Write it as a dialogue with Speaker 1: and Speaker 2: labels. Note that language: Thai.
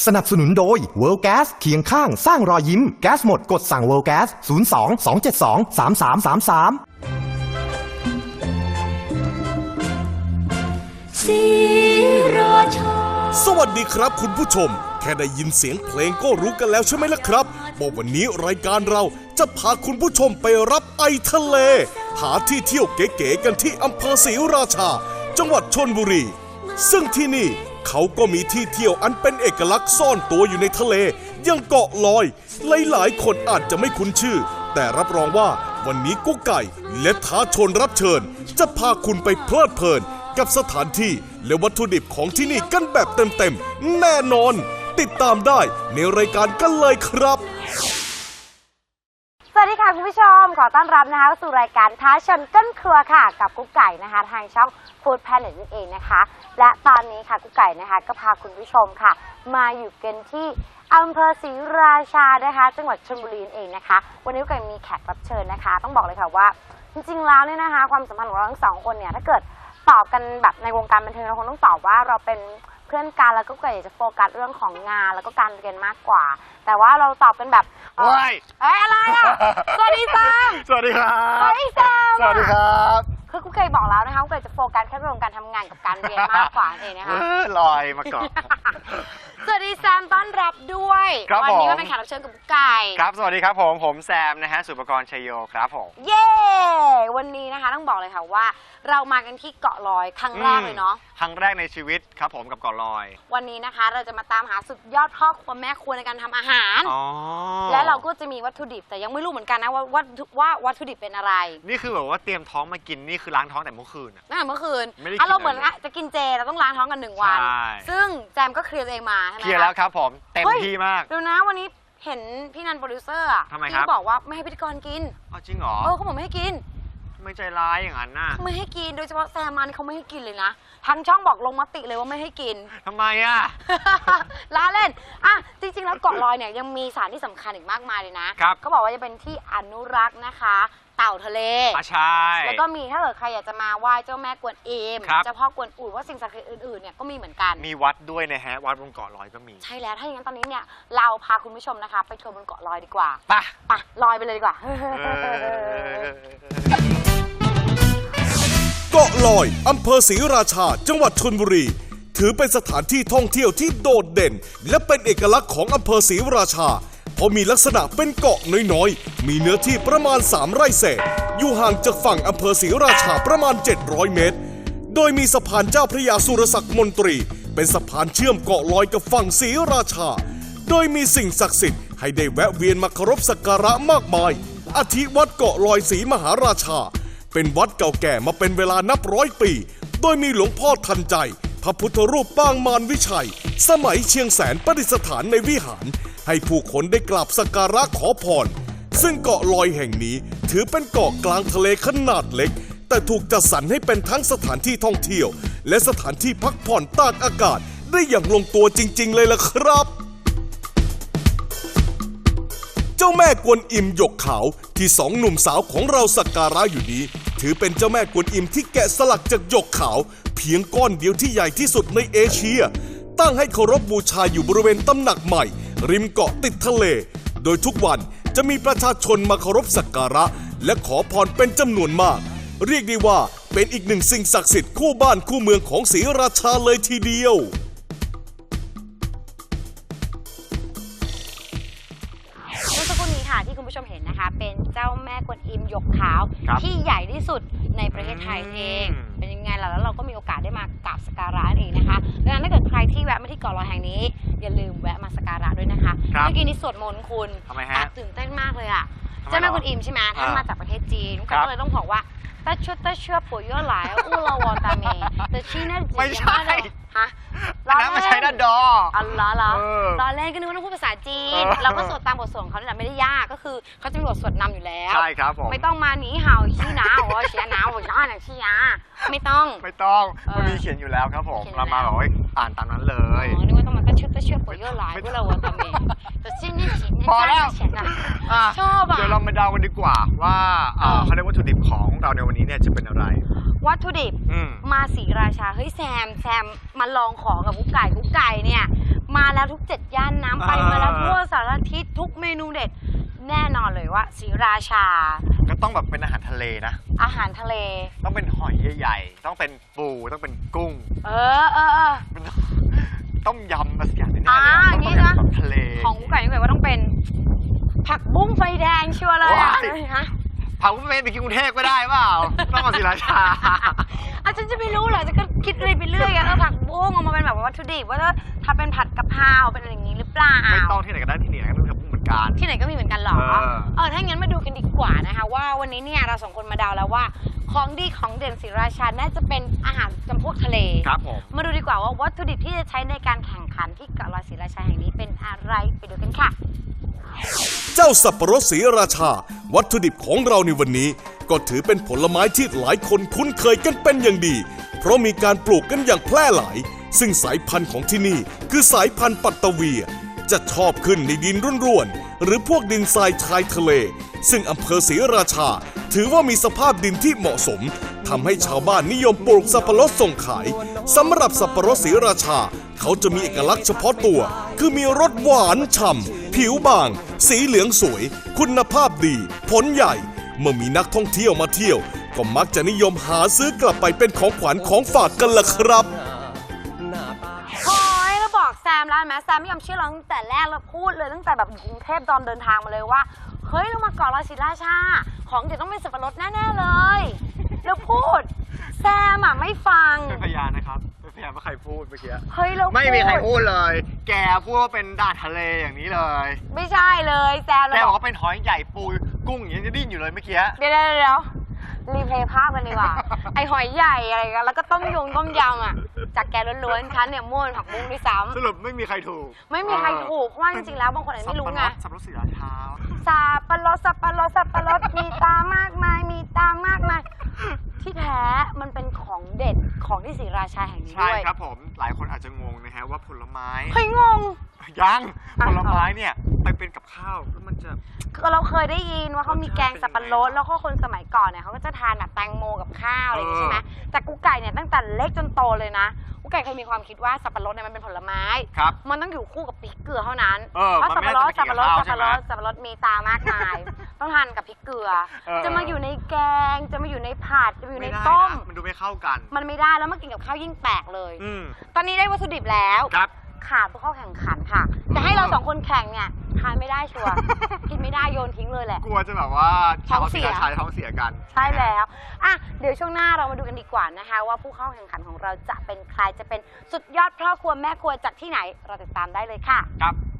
Speaker 1: สนับสนุนโดย World Gas เคียงข้างสร้างรอยยิ้มแก๊สหมดกดสั่ง World Gas 02 272 3333
Speaker 2: ศรีราชา
Speaker 3: สวัสดีครับคุณผู้ชมแค่ได้ยินเสียงเพลงก็รู้กันแล้วใช่ไหมล่ะครับว่าวันนี้รายการเราจะพาคุณผู้ชมไปรับไอทะเลหาที่เที่ยวเก๋ๆกันที่อำเภอศรีราชาจังหวัดชลบุรีซึ่งที่นี่เขาก็มีที่เที่ยวอันเป็นเอกลักษณ์ซ่อนตัวอยู่ในทะเลอย่างเกาะลอยหลายๆคนอาจจะไม่คุ้นชื่อแต่รับรองว่าวันนี้กุ๊กไก่และท้าชนรับเชิญจะพาคุณไปเพลิดเพลินกับสถานที่และวัตถุดิบของที่นี่กันแบบเต็มๆแน่นอนติดตามได้ในรายการกันเลยครับ
Speaker 4: สวัสดีค่ะคุณผู้ชมขอต้อนรับนะคะสู่รายการท้าชนก้นครัวค่ะกับกุ๊กไก่นะคะทางช่อง Food Planet นั่นเองนะคะและตอนนี้ค่ะกุ๊กไก่นะคะก็พาคุณผู้ชมค่ะมาอยู่กันที่อำเภอศรีราชานะคะจังหวัดชลบุรีนั่นเองนะคะวันนี้กุ๊กไก่มีแขกรับเชิญนะคะต้องบอกเลยค่ะว่าจริงๆแล้วเนี่ยนะคะความสัมพันธ์ของเราทั้งสองคนเนี่ยถ้าเกิดตอบกันแบบในวงการบันเทิงเราคงต้องตอบว่าเราเป็นเพื่อนกันแล้วก็เกิดจะโฟกัสเรื่องของงานแล้วก็การเรียนมากกว่าแต่ว่าเราตอบกันแบบอะไรอ่ะสวัสดีซัม
Speaker 5: สวัสดีครับ
Speaker 4: สวัสดีซัม
Speaker 5: สวัสดีครับ
Speaker 4: คือกุ๊กไก่บอกแล้วนะคะกุ๊กไก่จะโฟกัสแค่เรื่องการทำงานกับการเรียนมากกว่าเองนะคะ
Speaker 5: ลอยมาก่อน
Speaker 4: สวัสดีแซมต้อนรับด้วยวันี้ก็เป็นแขกรับเชิญกับกุ๊กไก่
Speaker 5: ครับสวัสดีครับผมแซมนะฮะสุปกรณ์ชัยโยครับผม
Speaker 4: เย้วันนี้นะคะต้องบอกเลยค่ะว่าเรามากันที่เกาะลอยครั้งแรกเลยเนาะ
Speaker 5: ครั้งแรกในชีวิตครับผมกับเกาะลอย
Speaker 4: วันนี้นะคะเราจะมาตามหาสุดยอดพ่อครัวแม่ครัวในการทำอาหารและเราก็จะมีวัตถุดิบแต่ยังไม่รู้เหมือนกันนะว่าวัตถุดิบเป็นอะไร
Speaker 5: นี่คือแบบว่าเตรียมท้องมากินนี่คือล้างท้องแต่เมื่อคืน
Speaker 4: ตั้งแต่เมื่อคืนเราเหมือนจะกินเจเราต้องล้างท้องกัน1 วันซึ่งแจมก็เคลียร์เองมาใช่ไหม
Speaker 5: เคลียร์แล้วครับผมเต็มที่มาก
Speaker 4: ดูนะวันนี้เห็นพี่นันโปรดิวเซอร์
Speaker 5: ทำไมครับ
Speaker 4: บอกว่าไม่ให้พิธีกรกิน
Speaker 5: จริงเหรอ
Speaker 4: เขาบอกไม่ให้กิน
Speaker 5: ไม่ใจร้ายอย่างนั้นน่ะ
Speaker 4: ไม่ให้กินโดยเฉพาะแซมมานี่เขาไม่ให้กินเลยนะทั้งช่องบอกลงมติเลยว่าไม่ให้กิน
Speaker 5: ทำไมอ่ะ
Speaker 4: ล้าเล่นจริงๆแล้วเกาะลอยเนี่ยยังมีสถานที่สำคัญอีกมากมายเลยนะก็บอกว่าจะเป็นที่อนุรักษ์นะคะเต่าทะเล
Speaker 5: ใช่
Speaker 4: แล้วก็มีถ้าเกิดใครอยากจะมาไหว้เจ้าแม่กวนอิมเจ้าพ่อกวนอู่ว่าสิ่งศักดิ์สิทธิ์อื่นๆเนี่ยก็มีเหมือนกัน
Speaker 5: มีวัดด้วยนะฮะวัดบนเกาะลอยก็มี
Speaker 4: ใช่แล้วถ้าอย่างนั้นตอนนี้เนี่ยเราพาคุณผู้ชมนะคะไปทัวร์บนเกาะลอยดีกว่า
Speaker 5: ไป
Speaker 4: ลอยไปเลยดีกว่า
Speaker 3: เกาะลอยอำเภอศรีราชาจังหวัดชลบุรีถือเป็นสถานที่ท่องเที่ยวที่โดดเด่นและเป็นเอกลักษณ์ของอำเภอศรีราชาเพราะมีลักษณะเป็นเกาะน้อยๆมีเนื้อที่ประมาณ3 ไร่เศษอยู่ห่างจากฝั่งอำเภอศรีราชาประมาณ700 เมตรโดยมีสะพานเจ้าพระยาสุรศักดิ์มนตรีเป็นสะพานเชื่อมเกาะลอยกับฝั่งศรีราชาโดยมีสิ่งศักดิ์สิทธิ์ให้ได้แวะเวียนมาเคารพสักการะมากมายอาทิวัดเกาะลอยศรีมหาราชาเป็นวัดเก่าแก่มาเป็นเวลานับ100 ปีโดยมีหลวงพ่อทันใจพระพุทธรูปปางมารวิชัยสมัยเชียงแสนประดิษฐานในวิหารให้ผู้คนได้กราบสักการะขอพรซึ่งเกาะลอยแห่งนี้ถือเป็นเกาะกลางทะเลขนาดเล็กแต่ถูกจัดสรรให้เป็นทั้งสถานที่ท่องเที่ยวและสถานที่พักผ่อนตากอากาศได้อย่างลงตัวจริงๆเลยล่ะครับเจ้าแม่กวนอิมหยกขาวที่2 หนุ่มสาวของเราสักการะอยู่นี้ถือเป็นเจ้าแม่กวนอิมที่แกะสลักจากหยกขาวเพียงก้อนเดียวที่ใหญ่ที่สุดในเอเชียตั้งให้เคารพบูชาอยู่บริเวณตำหนักใหม่ริมเกาะติดทะเลโดยทุกวันจะมีประชาชนมาเคารพสักการะและขอพรเป็นจำนวนมากเรียกได้ว่าเป็นอีกหนึ่งสิ่งศักดิ์สิทธิ์คู่บ้านคู่เมืองของศรีราชาเลยทีเดียว
Speaker 4: ที่คุณผู้ชมเห็นนะคะเป็นเจ้าแม่กวนอิมหยกขาวที่ใหญ่ที่สุดในประเทศไทยเองเป็นยังไงล่ะแล้วเราก็มีโอกาสได้มากราบสักการะเองนะคะดังนั้นถ้าเกิดใครที่แวะมาที่เกาะลอยแห่งนี้อย่าลืมแวะมาสักการะด้วยนะคะเมื่อกี้นี้สวดมนต์คุณตื่นเต้นมากเลยอ่ะเจ้าแม่กวนอิมใช่ไหมท่านมาจากประเทศจีนก็เลยต้องบอกว่าตาเชื่อปุ๋ยเยอะหลายอู้เราวอตาเมแต่ชี้นั่น
Speaker 5: ไม่ใช่
Speaker 4: ฮะ
Speaker 5: น้ำไม่ใช่ด้านดอ
Speaker 4: เหรอตอนแรกก็นึกว่าต้องพูดภาษาจีนเราก็สวดตามบทสวดของเขาเนี่ยไม่ได้ยากก็คือเขาจะมีบทสวดนำอยู่แล้ว
Speaker 5: ใช่ครับผม
Speaker 4: ไม่ต้องมาหนีเห่าชี้หนาวเชียหนาวย้อนชี้ยาไม่ต้อง
Speaker 5: มันมีเขียนอยู่แล้วครับผมเรามาบอกว่าอ่านตามนั้นเลย
Speaker 4: นึกว่าต้องมาตาเชื่อปุ๋ยเยอะหลายพวกเราวอตาเมแต่ชี้นี่ชี้
Speaker 5: พอแล้ว
Speaker 4: ชอบอ่ะ
Speaker 5: เดี๋ยวเรามาเดากันดีกว่าว่าเขาเรียกวัตถุดิบของเราในวันนี้เนี่ยจะเป็นอะไร
Speaker 4: วัตถุดิบมาศรีราชาเฮ้ยแซมมาลองของกับกุ๊กไก่เนี่ยมาแล้วทุก7ย่านน้ำไปมาแล้วทั่วสารทิศทุกเมนูเด็ดแน่นอนเลยว่าศรีราชา
Speaker 5: ก็ต้องแบบเป็นอาหารทะเลนะ
Speaker 4: อาหารทะเล
Speaker 5: ต้องเป็นหอยใหญ่ๆต้องเป็นปูต้องเป็นกุ้งต้มยำมาสักอย่างนึงต้องเป็นแบบทะเล
Speaker 4: ของไก่ว่าต้องเป็นผักบุ้งไฟแดงชัวร์เลยฮะ
Speaker 5: ผักบุ้งไฟแดงไปกินกรุงเทพก็ได้เปล่าต้องมาศรีราชา
Speaker 4: ฉันจะไม่รู้เหรอจะก็คิดอะไรไปเรื่อยผักบุ้งออกมาเป็นแบบวัตถุดิบว่าถ้าเป็นผัดกะเพราเป็นอะไรอย่างนี้หรือเปล่า
Speaker 5: ไม่ต้องที่ไหนก็ได้ที่ไหนก็มีผักบุ้งเหมือนกัน
Speaker 4: ที่ไหนก็มีเหมือนกันหรอถ้างั้นมาดูกันดีกว่านะคะว่าวันนี้เนี่ยเรา2คนมาเดาแล้วว่าของดีของเด่นศรีราชาน่าจะเป็นอาหารจำพวกทะเล
Speaker 5: ครับผม
Speaker 4: มาดูดีกว่าว่าวัตถุดิบที่จะใช้ในการแข่งขันที่เกาะลอยศรีราชาแห่งนี้เป็นอะไรไปดูกันค่ะ
Speaker 3: เจ้าสับปะรดศรีราชาวัตถุดิบของเราในวันนี้ก็ถือเป็นผลไม้ที่หลายคนคุ้นเคยกันเป็นอย่างดีเพราะมีการปลูกกันอย่างแพร่หลายซึ่งสายพันธุ์ของที่นี่คือสายพันธุ์ปัตตะเวียจะชอบขึ้นในดินร่วนๆหรือพวกดินทรายชายทะเลซึ่งอำเภอศรีราชาถือว่ามีสภาพดินที่เหมาะสมทำให้ชาวบ้านนิยมปลูกสับปะรดส่งขายสำหรับสับปะรดศรีราชาเขาจะมีเอกลักษณ์เฉพาะตัวคือมีรสหวานฉ่ำผิวบางสีเหลืองสวยคุณภาพดีผลใหญ่เมื่อมีนักท่องเที่ยวมาเที่ยวก็มักจะนิยมหาซื้อกลับไปเป็นของขวัญของฝากกันล่ะครับ
Speaker 4: เราบอกแซมแล้วไหมแซมไม่ยอมเชื่อเราตั้งแต่แรกเราพูดเลยตั้งแต่แบบอยู่กรุงเทพตอนเดินทางมาเลยว่าเฮ้ยเรามาเกาะลอยศรีราชาของเดี๋ยวต้องเป็นสับปะรดแน่ๆเลยแล้วพูดแซมไม่ฟัง
Speaker 5: เป็นพยานนะครับเป็นพยานว่าใครพูดเมื่อกี้
Speaker 4: เฮ้ยเรา
Speaker 5: ไม่มีใครพูดเลยแกพูดว่าเป็นด่านทะเลอย่างนี้เลย
Speaker 4: ไม่ใช่เลยแซม
Speaker 5: แกบอกว่าเป็นหอยใหญ่ปูกุ้งอย่างนี้จะดิ้นอยู่เลยเมื่อกี้
Speaker 4: เดี๋ยวรีเพลย์ภาพกันดีกว่าไอหอยใหญ่อะไรกันแล้วก็ต้มยำจากแกล้วนๆฉันเนี่ยม่วนผักบุ้งด้วยซ้ำ
Speaker 5: สรุปไม่มีใครถูก
Speaker 4: ไม่มีใครถูกเพราะว่าจริงๆแล้วบางคนอาจจะไม่รู้ไง
Speaker 5: สับปะรดศรีราชา
Speaker 4: สับปะรดมีตามากมายที่แท้มันเป็นของเด็ดของที่ศรีราชาแห่งนี้ด้วย
Speaker 5: ใช่ครับผมหลายคนอาจจะงงนะฮะว่าผลไม้
Speaker 4: เฮ้ยงง
Speaker 5: ยังผลไม้เนี่ยไปเป็นกับข้าวแล้วมันจะ
Speaker 4: เราเคยได้ยินว่าเขามีแกงสับปะรดแล้วก็คนสมัยก่อนเนี่ยเขาก็จะทานแบบแตงโมกับข้าวอะไรอย่างนี้ใช่ไหมแต่กุ๊กไก่เนี่ยตั้งแต่เล็กจนโตเลยนะกุ๊กไก่เคยมีความคิดว่าสับปะรดเนี่ยมันเป็นผลไม้มันต้องอยู่คู่กับพริกเกลือเท่านั้นเพราะสับปะรดมีตามากมายต้องทานกับพริกเกลือจะมาอยู่ในแกงจะมาอยู่ในผัดจะมาอยู่ในต้ม
Speaker 5: มันดูไม่เข้ากัน
Speaker 4: มันไม่ได้แล้วมากินกับข้าวยิ่งแปลกเลยตอนนี้ได้วัตถุดิบแล้วขาดผู้เข้าแข่งขันค่ะจะให้เรา2คนแข่งเนี่ยทานไม่ได้ชัวร์กินไม่ได้โยนทิ้งเลยแหละ
Speaker 5: กลัวจะแบบว่าท้องเสียกัน
Speaker 4: ใช่แล้วเดี๋ยวช่วงหน้าเรามาดูกันดีกว่านะคะว่าผู้เข้าแข่งขันของเราจะเป็นใครจะเป็นสุดยอดพ่อครัวแม่ครัวจากที่ไหนเราติดตามได้เลยค่ะ
Speaker 5: ครับ